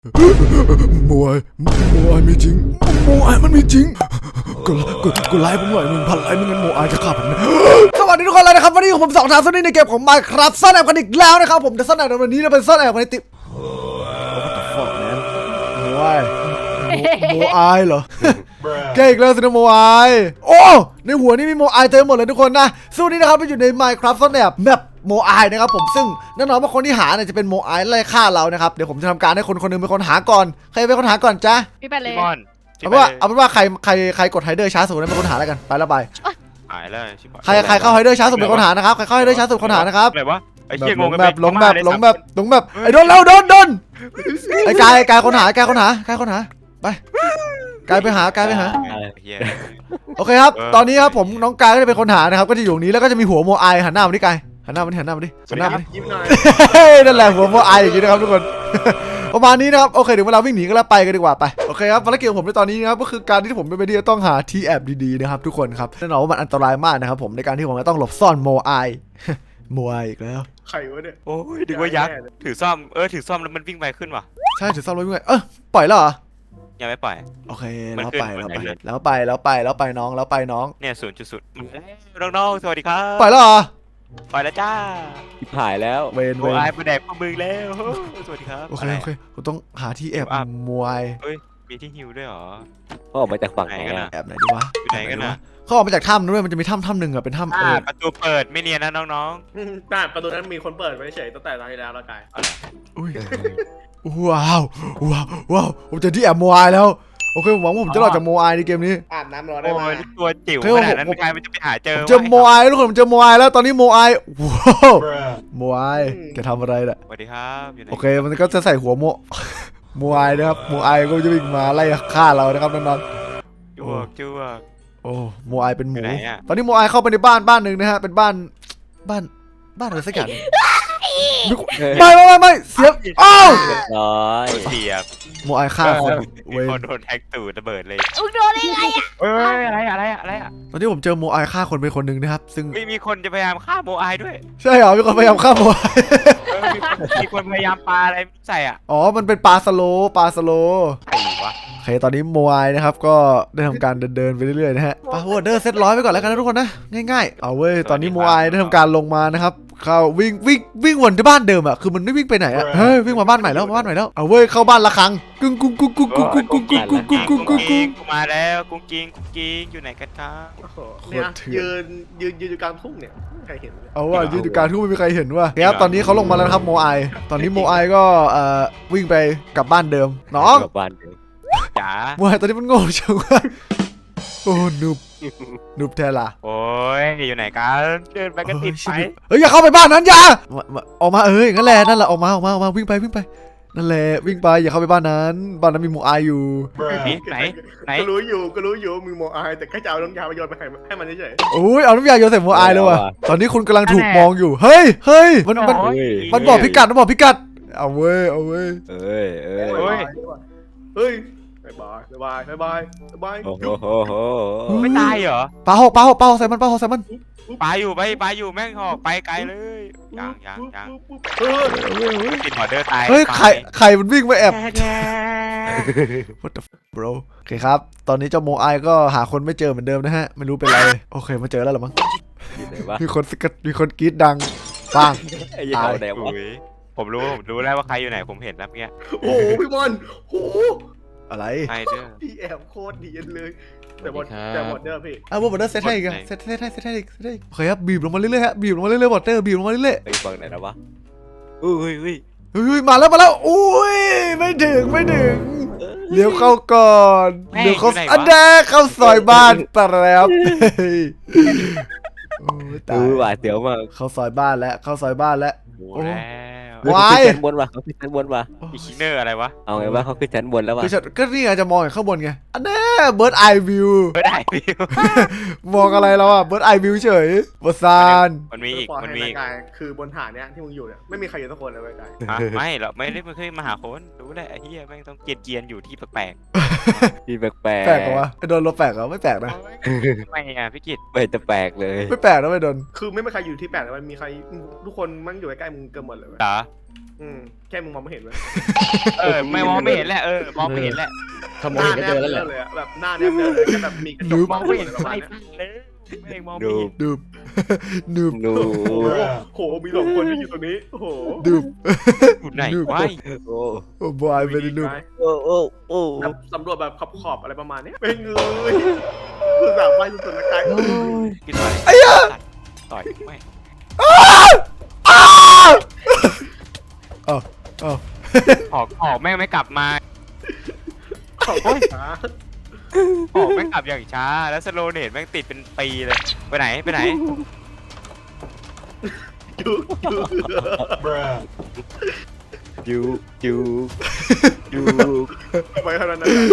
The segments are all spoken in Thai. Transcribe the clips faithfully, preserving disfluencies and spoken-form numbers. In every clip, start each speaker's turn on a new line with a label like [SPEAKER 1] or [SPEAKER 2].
[SPEAKER 1] มวยมวยมีจริงมวยมันมีจริงกดกดกดไลค์ผมหน่อยหนึ่งพันไลค์ไม่งั้นโมอายจะฆ่าผมนะสวัสดีทุกคนเลยนะครับวันนี้ผมสองทางซ่อนในเกมของ Minecraft ซ่อนแอบกันอีกแล้วนะครับผมแต่ซ่อนแอบในวันนี้เราเป็นซ่อนแอบกันในติมโมยโมอายเหรอเก่งแล้วสินะโมอายโอ้ในหัวนี่มีโมอายเต็มหมดเลยทุกคนนะสู้นี้นะครับไปอยู่ใน Minecraft ซ่อนแอบแมปโมอายนะครับผมซึ่งแน่นอนว่าคนที่หาเนี่ยจะเป็นโมอายไล่ฆ่าเรานะครับเดี๋ยวผมจะทำการให้คนคนนึงเป็นคนหาก่อนใครเป็นคนหาก่อนจ๊ะ
[SPEAKER 2] พี่ไปเลย
[SPEAKER 1] เอาเป็นว่าเอาเป็นว่าใครใครใครกดไฮเดอร์ช้าสุดนั้นเป็นคนหาแล้วกันไปแล้วไป
[SPEAKER 3] หายแล้วชิบหาย
[SPEAKER 1] ใครใครเข้าไฮเดอร์ช้าสุดเป็นคนหานะครับใครเข้าไฮเดอร์ช้าสุดเป็นคนหานะครับ
[SPEAKER 3] อะไรวะไอ้
[SPEAKER 1] แบ
[SPEAKER 3] เหี้ย
[SPEAKER 1] บ
[SPEAKER 3] ง
[SPEAKER 1] ล
[SPEAKER 3] ง
[SPEAKER 1] ง
[SPEAKER 3] กัน
[SPEAKER 1] แบบลงแบบลงแบบลงแบบไอ้โดนแล้วโดนโดนไอ้กายกายคนหากายคนหากายคนหาไปกายไปหากายไปหาโอเคครับตอนนี้ครับผมน้องกายก็จะเป็นคนหานะครับก็จะอยู่ตรงนี้แล้วก็จะมีหัวโมอายหันหน้ามาที่กายหันหน้ามาที่หันหน้ามาดิหันหน้ามาดิ
[SPEAKER 4] ยิ้มหน่อย
[SPEAKER 1] นั่นแหละหัวโมอายอย่างนี้นะครับทุกคนประมาณนี้นะครับโอเคเดี๋ยวเวลาวิ่งหนีก็แล้วไปกันดีกว่าไปโอเคครับภารกิจของผมในตอนนี้นะครับก็คือการที่ผมเป็นไปที่จะต้องหาที่แอบดีๆนะครับทุกคนครับแน่นอนว่ามันอันตรายมากนะครับผมในการที่ผมจะต้องหลบซ่อนโมอายโมอายอีกแล้ว
[SPEAKER 4] ไข่วะเนี่ย
[SPEAKER 3] โอ้ยดึกว่ายักษ์ถือซ่อมเออถือซ่อมแล้วมันวิ่งไปขึ้นว่ะ
[SPEAKER 1] ใช่ถือซ่อนรถวิ่งไงเออปล่อยแล้วเหรอ
[SPEAKER 3] ยังไม่ปล่อย
[SPEAKER 1] โอเค
[SPEAKER 3] มัน
[SPEAKER 1] แล้ว
[SPEAKER 3] ขึ้น
[SPEAKER 1] ไป
[SPEAKER 3] มั
[SPEAKER 1] แล้ว
[SPEAKER 3] น
[SPEAKER 1] ไป
[SPEAKER 3] ไหนเลย
[SPEAKER 1] แล้วไปแล้วไปแล้วไปน้องแล้วไปน้อง
[SPEAKER 3] เนี่ยศูนย์จุดศูนย์น้องๆสวัสดีครับ
[SPEAKER 1] ปล่อยแล้วเหรอ
[SPEAKER 3] ปล่อยแล้วจ้า
[SPEAKER 5] หายแล้ว
[SPEAKER 1] เวนเว
[SPEAKER 3] โอ้
[SPEAKER 1] น
[SPEAKER 3] ยมาแดกพวกมึงแล้วสวัสดีครับ
[SPEAKER 1] โอเคโอเคผมต้องหาที่แอบมวย
[SPEAKER 3] เฮ้ยมีที่ฮิวด้วยเหรอ
[SPEAKER 5] เขาออกมาจากฝั่งไหน
[SPEAKER 3] ไหนกัน
[SPEAKER 5] อะ
[SPEAKER 3] อะ
[SPEAKER 1] แอบไหนดีวะ
[SPEAKER 3] อยู่ไหนกันนะ
[SPEAKER 1] เขาออกมาจากถ้ำด้วยมันจะมีถ้ำถ้ำหนึ่งอะเป็นถ้ำเอ
[SPEAKER 3] อ่า
[SPEAKER 1] อ
[SPEAKER 3] ประตูเปิดไม่เนียนนะน้อง
[SPEAKER 4] แต่ประตูนั้นมีคนเปิดไว้เฉยตั้งแต่ตอนที่แล้วแล้วกาย
[SPEAKER 1] อุ้ยว้าวว้าวว้าวผมเจอที่แอบมวยแล้วโอเคผมหวังว่าผมจะรอดจากโมอายในเกมนี้
[SPEAKER 4] อาบน้ำรอ
[SPEAKER 3] ๆ
[SPEAKER 4] ได้
[SPEAKER 3] โอ้
[SPEAKER 4] ไหม
[SPEAKER 3] ยตัวจิ๋วขนาดนั้นใครมันจะไปหาเจอ
[SPEAKER 1] เจอโมอายทุกคนผมเจอโมอายแล้วตอนนี้โมอายว้าวโมอายแกทำอะไรน่ะ
[SPEAKER 3] สวัสดีครับอยู่ไหน
[SPEAKER 1] โอเคมันก็จะใส่หัวโมโมอายนะครับโมอายก็จะวิ่งมาไล่ฆ่าเรานะครับนอน
[SPEAKER 3] จวกจวก
[SPEAKER 1] ๆโอ้โมอายเป็นหมู
[SPEAKER 3] อยู่ไหนอะ
[SPEAKER 1] ตอนนี้โมอายเข้าไปในบ้านบ้านหนึ่งนะฮะเป็นบ้านบ้านบ้านอะไรสักอย่างไม่ไม่ไม่ไม่เสียบอ้าว
[SPEAKER 5] เรียบร้อย
[SPEAKER 3] เสียบ
[SPEAKER 1] โมอายฆ่าคน
[SPEAKER 3] มี
[SPEAKER 1] เวน
[SPEAKER 3] คนโดนแท็กตูดระเบิดเลย
[SPEAKER 2] มึงโดนได้ไงอะ
[SPEAKER 3] เอ้ยอะไรอะไรอะไรอ่ะ
[SPEAKER 1] ตอนนี้ผมเจอโมอายฆ่าคนไปคนหนึ่งนะครับซึ่ง
[SPEAKER 3] มีมีคนจะพยายามฆ่าโมอายด้วย
[SPEAKER 1] ใช่เหรอมีคนพยายามฆ่าโมอาย
[SPEAKER 3] เออมีคนมีคนพยายามปาอะไรใส่อ่ะ
[SPEAKER 1] อ๋อมันเป็นปลาสโลปลาสโล
[SPEAKER 3] ไอ้วะ
[SPEAKER 1] โอเคตอนนี้โมอายนะครับก็ได้ทำการเดินเดินไปเรื่อยๆนะฮะปาหัวเดอร์เซตร้อยไปก่อนแล้วกันนะทุกคนนะง่ายๆเอาเว้ยตอนนี้โมอายได้ทำการลงมานะครับเข้าวิ่งวิ่งวิ่งวนที่บ้านเดิมอ่ะคือมันไม่วิ่งไปไหนอ่ะเฮ้ยวิ่งมาบ้านใหม่แล้วมาบ้านใหม่แล้วเอาเว้ยเข้าบ้านละครั้งกึ้งกุ้งกุ้งกุ้งกุ้งกุ้งกุ้งกุ้งกุ้งกุ้งกุ้งกุ้งกุ้ง
[SPEAKER 3] กูมาแล้วกุ้งกิ้งกุ้งกิ้งอยู่ไหนกันครับ
[SPEAKER 4] โอ้โหเนี่ยยืนยืนยืนอยู่กลางทุ่งเนี่ยใครเห็น
[SPEAKER 1] เอาว่ายืนอยู่กลางทุ่งไม่มีใครเห็นว่าครับตอนนี้เขาลงมาแล้วนะครับโมอายตอนนี้โมอายก็เอ่อวิ่งไปกลับบ้านเดิมน้อง
[SPEAKER 5] กลับบ้านเดิม
[SPEAKER 3] จ๋า
[SPEAKER 1] โมอายตอนนี้มันโง่จังวะโอ้นุบนุบแทล่ะ
[SPEAKER 3] โอ้ยอยู่ไหนกันเดินไปก็ติดไป
[SPEAKER 1] เฮ้ยอย่าเข้าไปบ้านนั้นอย่ามามาออกมาเอออย่างนั้นแหละนั่นแหละออกมาออกมาออกมาวิ่งไปวิ่งไปนั่นแหละวิ่งไปอย่าเข้าไปบ้านนั้นบ้านนั้นมีโมอายอยู่
[SPEAKER 3] นี่ไหนไหน
[SPEAKER 4] ก็รู้อยู่ก็รู้อยู่มือโมอายแต่แค่จะเอาน้ำยาไปโยนไปให้ให้มันเฉย
[SPEAKER 1] โอ้ยเอาน้ำยาโยนใส่โมอายเลยว่ะตอนนี้คุณกำลังถูกมองอยู่เฮ้ยเฮ้ยมันมัน
[SPEAKER 3] โอ้ย
[SPEAKER 1] มันบอกพิกัดมันบอกพิกัดเอาเว้ยเอาเว้ย
[SPEAKER 5] เอ้ยเอ้ย
[SPEAKER 4] ๆ
[SPEAKER 3] โอ้ย
[SPEAKER 4] เฮ้ยบายบายบายบายบาย
[SPEAKER 5] โอ้โหโหโห
[SPEAKER 3] ไม่ตายเหรอ
[SPEAKER 1] ปลาหกปลาหกปลาหกใส่มันปลาหกใส่มัน
[SPEAKER 3] ปลาอยู่ไปปลาอยู่แม่งหอกไปไกลเลยยังยังยัง
[SPEAKER 4] เออ
[SPEAKER 3] ติดหอเดอร์ตาย
[SPEAKER 1] เฮ้ยไข่ไข่มันวิ่งมาแอบ What the f- bro โอเคครับ ตอนนี้เจ้าโมอายก็หาคนไม่เจอเหมือนเดิมนะฮะ ไม่รู้เป็นไร โอเคมาเจอแล้วเหรอมั้ง
[SPEAKER 5] อยู่ไหนวะ
[SPEAKER 1] มีคนสกัดมีคนกรี๊ดดังปัง
[SPEAKER 5] ไอ้ยี่ห้อไหนวะ
[SPEAKER 3] อุ๊ยผมรู้ผมรู้แล้วว่าใครอยู่ไหนผมเห็นแล้วเมื่อกี้
[SPEAKER 4] โอ้โหพี่บอลโอ้โห
[SPEAKER 1] อะไร
[SPEAKER 3] ไอเดอร์
[SPEAKER 4] พี่แอบโคตรดีเลยแต่หมดแต่หมดเด้อพี่
[SPEAKER 1] อ่ะบอร์เดอร์เซตให้อีกอะเซตเซตให้เซตให้อีกเซตให้อีกโอเคครับบีบลงมาเรื่อยๆฮะบีบลงมาเรื่อยๆบอร์เดอร์บีบลงมาเรื่อย
[SPEAKER 5] ไอ้ฝั่งไหนนะวะอุ้ยอุ้ย
[SPEAKER 1] ๆเฮ้ยมาแล้วมาแล้วอุ้ยไม่ถึงไม่ถึงเลี้ยวเข้าก่อนเลี้ยวเข้าอันแดกเข้าซอยบ้านแป๊บเฮ้ยโอ้ยตา
[SPEAKER 5] อุ้
[SPEAKER 1] ย
[SPEAKER 5] ยหวาดเสียวมาก
[SPEAKER 1] เข้าซอยบ้านแล้วเข้าซอยบ้านแล้ว
[SPEAKER 3] โอ้แล้ว
[SPEAKER 1] วาย
[SPEAKER 5] เขาขึ้นชั้นบนว่ะเขาขึ้นชั้นบนว่ะ
[SPEAKER 3] อีคิเนอร์อะไรวะ
[SPEAKER 5] เอาไงวะเขาขึ้นชั้นบนแล้วว่ะ
[SPEAKER 1] คือฉันก็นี่ไงจะมองอย่างข้างบนไงอันแน่เบิร์ดไอวิว
[SPEAKER 3] ไม่ได้พี่
[SPEAKER 1] มองอะไรแล้วอ่ะเบิร์ดไอวิวเฉยบอสาน
[SPEAKER 3] มันมีอีกมันมีอีก
[SPEAKER 4] กายคือบนฐานเนี้ยที่มึงอยู่เนี่ยไม่มีใครอยู่สักคนเลยเว้ยกาย
[SPEAKER 3] ฮะไม่หรอกไม่ได้ไม่เคยมาหาคนรู้แหละไอ้เหี้ยแม่งต้องเกียนเกียนอยู่ที่แปลก
[SPEAKER 5] พี่แปลกแปลก
[SPEAKER 1] แปลกเหรอวะไอ้โดนเราแปลกเหรอไม่แปลกนะ
[SPEAKER 3] ไม่อ่ะพี่กิต
[SPEAKER 5] ไม่จะแปลกเลย
[SPEAKER 1] ไม่แปลกนะไม่โดน
[SPEAKER 4] คือไม่มีใครอยู่ที่แปลกแต่มันมีใครทุกคนมันอยู่ใกล้ๆมึงเกือบหมดเลยเว้ย
[SPEAKER 3] จ๋า
[SPEAKER 4] อืมแค่มึงมองไม่เห็นเว้ย
[SPEAKER 3] เออไม่มองไม่เห็นแหละเออมองไม่เห็นแหละ
[SPEAKER 2] ถ้ามองเห็นก็เจอแล้วแหละ
[SPEAKER 4] เลยอะแบบหน้าแนบเลยแค่แบบมีกระจก
[SPEAKER 3] มองไม่เห็น
[SPEAKER 4] ประมา
[SPEAKER 3] ไม่
[SPEAKER 4] ณเนี้ย
[SPEAKER 3] เลยไม่มองไม่
[SPEAKER 5] ดู
[SPEAKER 3] เห็น
[SPEAKER 1] ดูบ ดูบ
[SPEAKER 5] ดู
[SPEAKER 4] โอ้โหโหมีสองคนที่อยู่ตรงนี้โอ้โห
[SPEAKER 1] ดูบ
[SPEAKER 3] อยู่ไหน
[SPEAKER 1] ดู
[SPEAKER 3] วะ
[SPEAKER 5] โอ้
[SPEAKER 1] โอ้บอยไม่ได้ดูบ
[SPEAKER 5] โอ้โอ้โอ้
[SPEAKER 4] แบบสำรวจแบบขอบขอบๆอะไรประมาณเนี้ยเป็นเลยคือสามไปสุดๆนะไกล
[SPEAKER 3] กินไป
[SPEAKER 1] ไอ้เหี้ย
[SPEAKER 3] ต่อยไม่
[SPEAKER 1] อ้าวอ้าวอ้าว
[SPEAKER 3] ออกออกแม่งไม่กลับมา
[SPEAKER 4] ขอบคุณนะ
[SPEAKER 3] ออกแม่งกลับอย่างช้าแล้วสโลเนตแม่งติดเป็นปีเลยไปไหนไปไหน
[SPEAKER 4] อยู่อยู่
[SPEAKER 5] จูจูจู
[SPEAKER 4] ไปขนาดนั้นอะ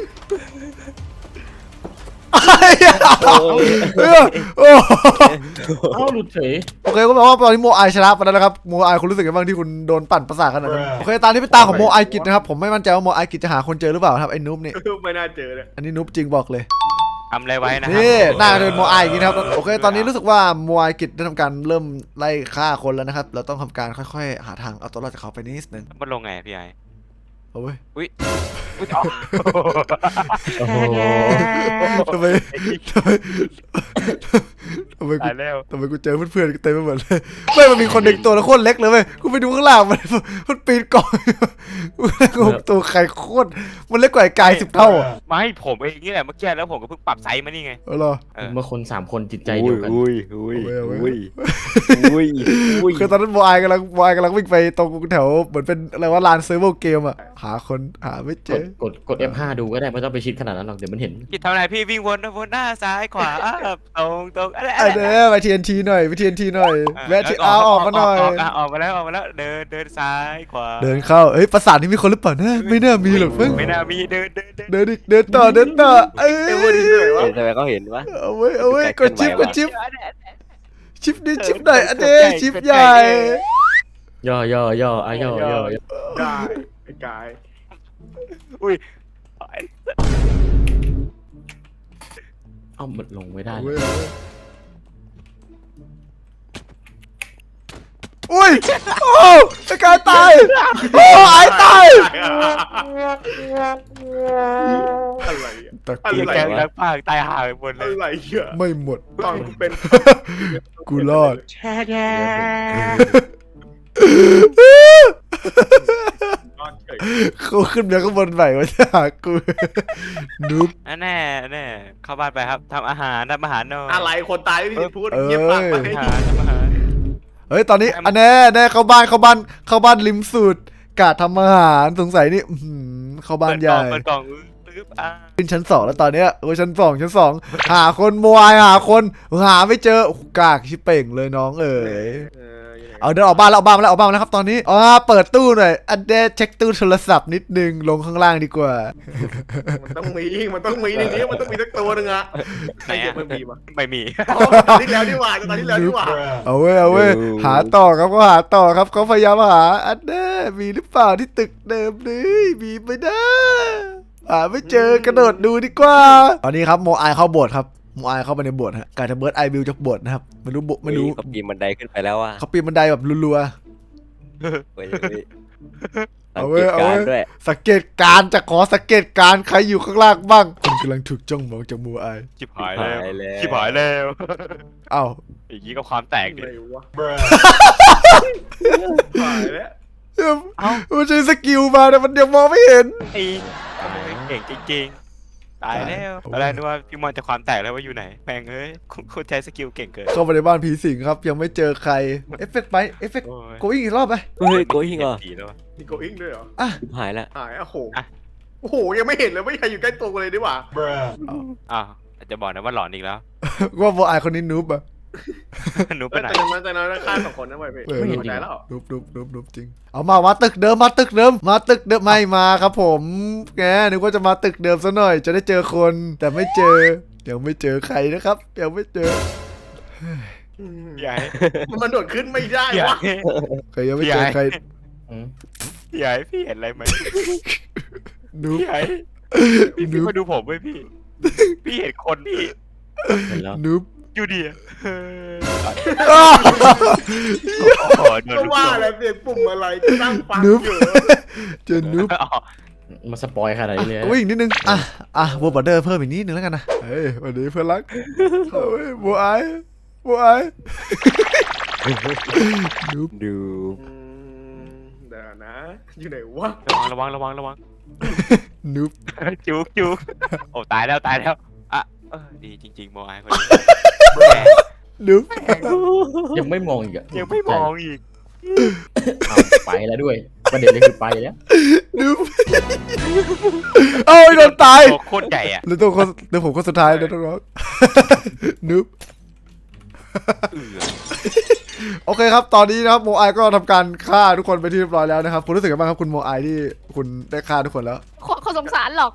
[SPEAKER 1] ไอ้เหี้ยเออโอ้
[SPEAKER 2] เอ้าหลุดเฉย
[SPEAKER 1] โอเคก็แปลว่าตอนนี้โมไอชนะไปแล้วนะครับโมไอคุณรู้สึกยังไงบ้างที่คุณโดนปั่นประสาทขนาดนั้นโอเคตามที่เป็นตาของโมไอกิจนะครับผมไม่มั่นใจว่าโมไอกิจจะหาคนเจอหรือเปล่าครับไอ้นุ๊บนี่
[SPEAKER 4] ไม่น่าเจอเลย
[SPEAKER 1] อันนี้นุ๊บจริงบอกเลย
[SPEAKER 3] ทำอะไรไว้นะครั
[SPEAKER 1] นี่หน้าจะเป็นโมไออย่างนี้นะครับโอเคตอนนี้รู้สึกว่าโมไอกิจได้ทำการเริ่มไล่ฆ่าคนแล้วนะครับเราต้องทำการค่อยๆ หาทางเอาตัวรอดจากเขาไปนิดนึง
[SPEAKER 3] มันลงไงพี่ไอ
[SPEAKER 1] เอาเว้ย
[SPEAKER 3] อุ้ยอ๋อ
[SPEAKER 2] โอ้โห
[SPEAKER 1] ทำไมทำไมทำไมกู
[SPEAKER 3] ตายแล้ว
[SPEAKER 1] ทำไมกูเจอเพื่อนๆเต็มไปหมดเลยไม่มันมีคนหนึ่งตัวแล้วโคตรเล็กเลยเว้ยกูไปดูข้างล่างมันมันปีนกล่องกูตัวใครโคตรมันเล็กกว่าไอ้กายสิบเท่าอ่ะ
[SPEAKER 3] ไม่ผมเองนี่แหละเมื่อกี้แล้วผมก็เพิ่งปรับไซส์มานี่ไง
[SPEAKER 1] เออเหรอ
[SPEAKER 3] เออ
[SPEAKER 2] เมื่อคนสามคนจิตใจเดียวกัน
[SPEAKER 5] อุ้ยอุ้ย
[SPEAKER 1] เอาไว้
[SPEAKER 5] อุ้ย
[SPEAKER 1] เอาไว้
[SPEAKER 5] อุ้ยอุ้ย
[SPEAKER 1] คือตอนนั้นบอยกำลังบอยกำลังวิ่งไปตรงแถวเหมือนเป็นอะไรว่าลานเซิร์ฟเวอร์เกมอ่ะหาคนหาไม่เจ
[SPEAKER 2] กด
[SPEAKER 1] อก
[SPEAKER 2] ดกด เอฟ ห้า ดูก็ได้ไม่ต้องไปชิดขนาดนั้นหรอกเดี๋ยวมันเห็น
[SPEAKER 3] กิดทำอะไรพี่วิ่งวนวนหน้าซ้ายขวาตรงตรงอะไร
[SPEAKER 1] ไอ้เด้อไปทีเอ็นทีหน่อยไปทีเอ็นทีหน่อยแวะทีเอาออกมาหน่อย
[SPEAKER 3] ออกมาแล้วออกมาแล้วเดินเดินซ้ายขวา
[SPEAKER 1] เดินเข้าเอ้ยประสาทนี่มีคนหรือเปล่านะไม่น่ามีหรอกเพิ่ง
[SPEAKER 3] ไม่น่ามีเดินเดินเดิน
[SPEAKER 1] เดินอีกเดินต่อเดินต่อเอ้ย
[SPEAKER 4] เอเวอร์ดีเลยวะ
[SPEAKER 5] เห็นทำไมเขาเห็นวะ
[SPEAKER 1] เอาไว้เอาไว้กดชิปกดชิป
[SPEAKER 3] เ
[SPEAKER 1] ชิปดิชิปหน่อยอันเด้ชิปใหญ่
[SPEAKER 2] ย่อย่อย่ออ่ะย่อย่อย่อ
[SPEAKER 4] ได้ไอ้กาย
[SPEAKER 3] อุ้ย
[SPEAKER 2] เอ้ามันลงไม่ได้
[SPEAKER 1] เอาไว้อุ้ยโอ้ไอ้กายตายโอ้ไอ้ตาย
[SPEAKER 4] อะไรอะ
[SPEAKER 1] ตะ
[SPEAKER 4] อะ
[SPEAKER 1] เกีย
[SPEAKER 4] ไร
[SPEAKER 1] บ
[SPEAKER 3] แกงแล้วปากตายห่าไปหมดเล
[SPEAKER 4] อะ
[SPEAKER 3] ย
[SPEAKER 4] ไรอะ
[SPEAKER 1] ไม่หมด
[SPEAKER 4] ตอนกูเป็น
[SPEAKER 1] กูรอด
[SPEAKER 4] ตอนเฉย
[SPEAKER 1] เขาขึ้นมาข้างบนใหม่มาจะหากูนุ๊บ
[SPEAKER 3] แน่แน่เข้าบ้านไปครับทำอาหารทำอาหารหน่อย
[SPEAKER 4] อะไรคนตายไม่มีสิทธิ์พูดเงียบปากไป
[SPEAKER 3] ทำอาหารทำอาหาร
[SPEAKER 1] เฮ้ยตอนนี้อันแน่แน่เข้าบ้านเข้าบ้านเข้าบ้านริมสุดกาดทำอาหารสงสัยนี่อื้อหือเข้าบ้านใหญ่
[SPEAKER 3] เปิดกล่องปึ๊บอ่ะ
[SPEAKER 1] ขึ้นชั้นสองแล้วตอนเนี้ยโอ้ยชั้นสองชั้นสองหาคนโมยหาคนหาไม่เจอโอ้โหกากชิบเป่งเลยน้องเอ๋ย
[SPEAKER 4] เอออยู่ไหน
[SPEAKER 1] เอาเดินออกบ้านแล้วออกบ้านมาแล้วออกบ้านมาแล้วครับตอนนี้อ๋อเปิดตู้หน่อยอันเดยวเช็คตู้โทรศัพท์นิดนึงลงข้างล่างดีกว่า
[SPEAKER 4] มันต้องมีมันต้องมีในนี้มันต้องมีสักตัวหนึงอะ
[SPEAKER 3] ไหนอะ
[SPEAKER 4] ไม่มีวะ
[SPEAKER 3] ไม่มี
[SPEAKER 4] อ๋อตอนที่แล้วนี่หว่าตอนที่แล้วนี่หว่า
[SPEAKER 1] เอาเว้ยเอาเว้ยหาต่อครับก็หาต่อครับเขาพยายามหาอันเด้มีหรือเปล่าที่ตึกเดิมนี่มีไหมนะหาไม่เจอกระโดดดูดีกว่า ตอนนี้ครับโมไอเข้าโบสถ์ครับโมไอเข้าไปในโบสถ์ฮะการจะเบิร์ดไอบิวจากโบสถ์นะครับไม่รู้โบไม่รู้
[SPEAKER 5] เขาปีนบันไดขึ้นไปแล้วว่ะ
[SPEAKER 1] เขาปีนบันไดแบบรัว
[SPEAKER 5] เฮ้ยเฮ้ย
[SPEAKER 1] เอา
[SPEAKER 5] สัง
[SPEAKER 1] เว้
[SPEAKER 5] เก
[SPEAKER 1] ย
[SPEAKER 5] ต
[SPEAKER 1] เอา
[SPEAKER 5] การ
[SPEAKER 1] เว้ย
[SPEAKER 5] ณ์ด้วย
[SPEAKER 1] ๆสังเกตการณ์จะขอสังเกตการณ์ใครอยู่ข้างล่างบ้างคุณกำลังถูกจ้องมองจากโมไอ
[SPEAKER 3] ชิบหายแล้ว
[SPEAKER 5] แล้ว
[SPEAKER 3] ชิบหายแล้ว
[SPEAKER 1] เอ้า
[SPEAKER 3] อย่างนี้ก็ความแตกดิ
[SPEAKER 4] อะไรวะหายแล้ว
[SPEAKER 3] เอ้า
[SPEAKER 1] มันใช้สกิลมาแต่มันยังมองไม่เห็น
[SPEAKER 3] ไอ้เก่งจริงๆตายแล้วตอนแรกนึกว่าพี่มอนจะความแตกแล้วว่าอยู่ไหนแม่งเอ้ยคุณใช้สกิลเก่งเกิน
[SPEAKER 1] เข้าไปในบ้านผีสิงครับยังไม่เจอใครเอฟเฟกต์ไปเอฟเฟกต์
[SPEAKER 3] โอ้ย
[SPEAKER 1] โกอิงอีกรอบไป
[SPEAKER 5] เฮ้ยโกยิงเหรอ
[SPEAKER 3] ผีแล้ววะ
[SPEAKER 4] มีโกอิงด้วยเหรอ
[SPEAKER 5] ชิบหายแล้ว
[SPEAKER 4] หายอ่ะโห
[SPEAKER 3] อ่ะ
[SPEAKER 4] โอ้โหยังไม่เห็นเลยไม่มีใครอยู่ใกล้ตัวกูเลยดีกว่า
[SPEAKER 3] อ้าวอาจจะบอกนะว่าหลอนอีกแล้ว
[SPEAKER 1] ว่าโมไอคนนี้นูบอะ
[SPEAKER 3] หนูไป
[SPEAKER 4] แต่
[SPEAKER 3] ไหน
[SPEAKER 4] นั้นแต่นั้นฆ่าสองคนนะเว้ยพี่
[SPEAKER 1] เออ
[SPEAKER 4] ไม่เห็นใจแล้ว
[SPEAKER 1] นูบนูบนูบนูบจริงเอามามาตึกเดิมมาตึกเดิมมาตึกเดิมไม่มาครับผมแกนึกว่าจะมาตึกเดิมซะหน่อย จะได้เจอคนแต่ไม่เจอยังไม่เจอใครนะครับยังไม่เจอ
[SPEAKER 3] ใหญ่
[SPEAKER 4] มันโดดขึ้นไม่ได้
[SPEAKER 3] ใหญ่
[SPEAKER 4] วะ
[SPEAKER 1] ใครยังไม่เจอใคร
[SPEAKER 2] อืม
[SPEAKER 3] ใหญ่พี่เห็นอะไรไหม
[SPEAKER 1] นูบ
[SPEAKER 3] ใหญ่พี่พี่มาดูผมเว้ยพี่ พี่เห็นคนพี่
[SPEAKER 2] เห็นแล้ว
[SPEAKER 1] นุ๊บ
[SPEAKER 3] อยู่ดีอะเออ
[SPEAKER 1] อ้าว
[SPEAKER 3] โอ้โหโดน
[SPEAKER 4] ก็
[SPEAKER 3] ลูก
[SPEAKER 4] ว่า
[SPEAKER 3] หลง
[SPEAKER 4] อะไรเปลี่ยนปุ่มอะไรที่นั่งฟังอยู่
[SPEAKER 1] เจอนุ๊บ
[SPEAKER 3] อ๋อ
[SPEAKER 2] มาสปอยขนาดนี้เลย
[SPEAKER 1] วิ่งนิดนึงอ่ะอ่ะวอร์บอร์เดอร์เพิ่มอีกนิดนึงแล้วกันนะเฮ้ยวันนี้เพื่อนรักเฮ้ยบัวไอ้บัวไอ้นุ๊บ
[SPEAKER 5] ดู
[SPEAKER 4] อืมเดี๋ยวนะ อยู่ไหนวะ
[SPEAKER 3] ระวังระวังระวังระวัง
[SPEAKER 1] นุ๊บ
[SPEAKER 3] จุกจุกโอ้ตายแล้วตายแล้วอ่ะเออดีจริงๆโมไอคนนี้
[SPEAKER 1] นุ๊บ
[SPEAKER 2] ยังไม่มองอีกอะ
[SPEAKER 3] ยังไม่มองอีก
[SPEAKER 2] เอาไปแล้วด้วยประเด็นเลยคือไปแล้ว
[SPEAKER 1] นุ๊บเอ้ยโดนตาย
[SPEAKER 3] ตัวโคตรใหญ่อะ
[SPEAKER 1] แล้วตัวคนเดี๋ยวผมคนสุดท้ายเดี๋ยวต้องร้องนุ๊บ
[SPEAKER 3] เอือ
[SPEAKER 1] โอเคครับ ตอนนี้นะครับโมไอก็ทำการฆ่าทุกคนไปที่เรียบร้อยแล้วนะครับ คุณรู้สึกยังไงบ้างครับคุณโมไอที่คุณได้ฆ่าทุกคนแล้ว
[SPEAKER 6] คนสงสารหรอก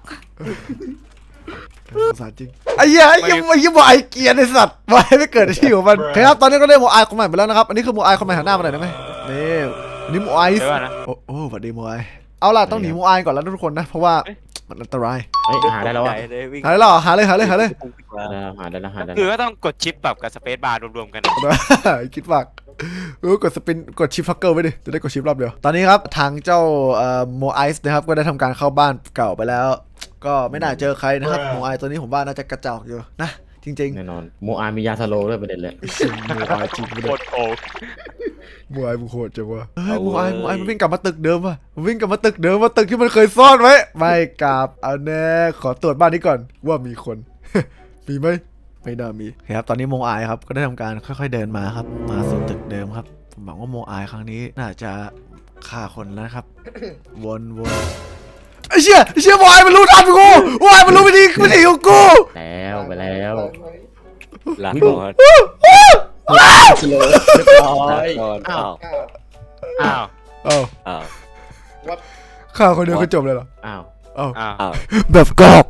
[SPEAKER 1] สงสารจริงไอ้เหี้ยไอ้เหี้ยไอ้เหี้ยโมไอเกลียร์ไอ้สัตว์โมไอไม่เกิดในที่ของมันโอเคครับ ตอนนี้ก็ได้โมไอคนใหม่ไปแล้วนะครับ อันนี้คือโมไอคนใหม่หันหน้ามาหน่อยได้ไหมนี่อันนี้โมไอ
[SPEAKER 3] เดี๋ยวก่อนนะ
[SPEAKER 1] โอ้โอ้สวัสดีโมไอเอาล่ะต้องหนีโมไอก่อนแล้วทุกคนนะ เพราะว่ามันอันตราย
[SPEAKER 2] เฮ้ยหาได้แล้ว
[SPEAKER 5] ให
[SPEAKER 2] อะ
[SPEAKER 5] ญ่เลยวิ่ง
[SPEAKER 1] หาเลยเหรอหาเลยหาเลยหาเลย
[SPEAKER 2] หาได้แล้วหาได้แล้วหาได้
[SPEAKER 3] คือ
[SPEAKER 2] แล้ว
[SPEAKER 3] ก็ต้องกดชิปแบบกับสเปซบาร์รวมๆกันอะ
[SPEAKER 1] คิดฝากเออกดสปินกดชิปฟักเกอร์ไว้ดิจะได้กดชิปรอบเดียวตอนนี้ครับทางเจ้าโมไอซ์นะครับก็ได้ทำการเข้าบ้านเก่าไปแล้ว ก็ไม่น่าเจอใครนะครับโมไอตัวนี้ผมว่าน่าจะกระจอกอยู่นะจริงๆ
[SPEAKER 2] แน่นอนโมอามียาสโลว์ด้วยประเด็นเลย
[SPEAKER 1] โมไอจริงไม่
[SPEAKER 3] โค
[SPEAKER 1] ได้
[SPEAKER 3] ตรโกง
[SPEAKER 1] โมไอมึงโหดจังวะเฮ้ยโมไอโมไอมันวิ่งกลับมาตึกเดิมว่ะมันวิ่งกลับมาตึกเดิมว่าตึกที่มันเคยซ่อนไว้ไม่กลับเอาแน่ขอตรวจบ้านนี้ก่อนว่ามีคน มีไหมไม่น่ามีครับตอนนี้โมไอครับก็ได้ทำการค่อยๆเดินมาครับมาสู่ตึกเดิมครับผมหวังว่าโมไอครั้งนี้น่าจะฆ่าคนแล้วนะครับ วนวนไอ้เชี่ยไอ้เชี่ยโมไอมันรู้ทันกูโมไอมันรู้วิธีวิธีของกู
[SPEAKER 2] แล้วไปแล้ว
[SPEAKER 5] ลาก่อน
[SPEAKER 2] สโลว์เรียบร้อย
[SPEAKER 5] ก่อน
[SPEAKER 2] อ้า
[SPEAKER 5] อ้าว ว
[SPEAKER 3] อ้าว
[SPEAKER 1] เอ้า
[SPEAKER 5] อ้าว
[SPEAKER 1] ฆ่าคนเดียวก็จบเลยเหรอ
[SPEAKER 2] อ้าว
[SPEAKER 1] เอ้า
[SPEAKER 3] อ้าว
[SPEAKER 5] อ้าว
[SPEAKER 1] แบบกรอบ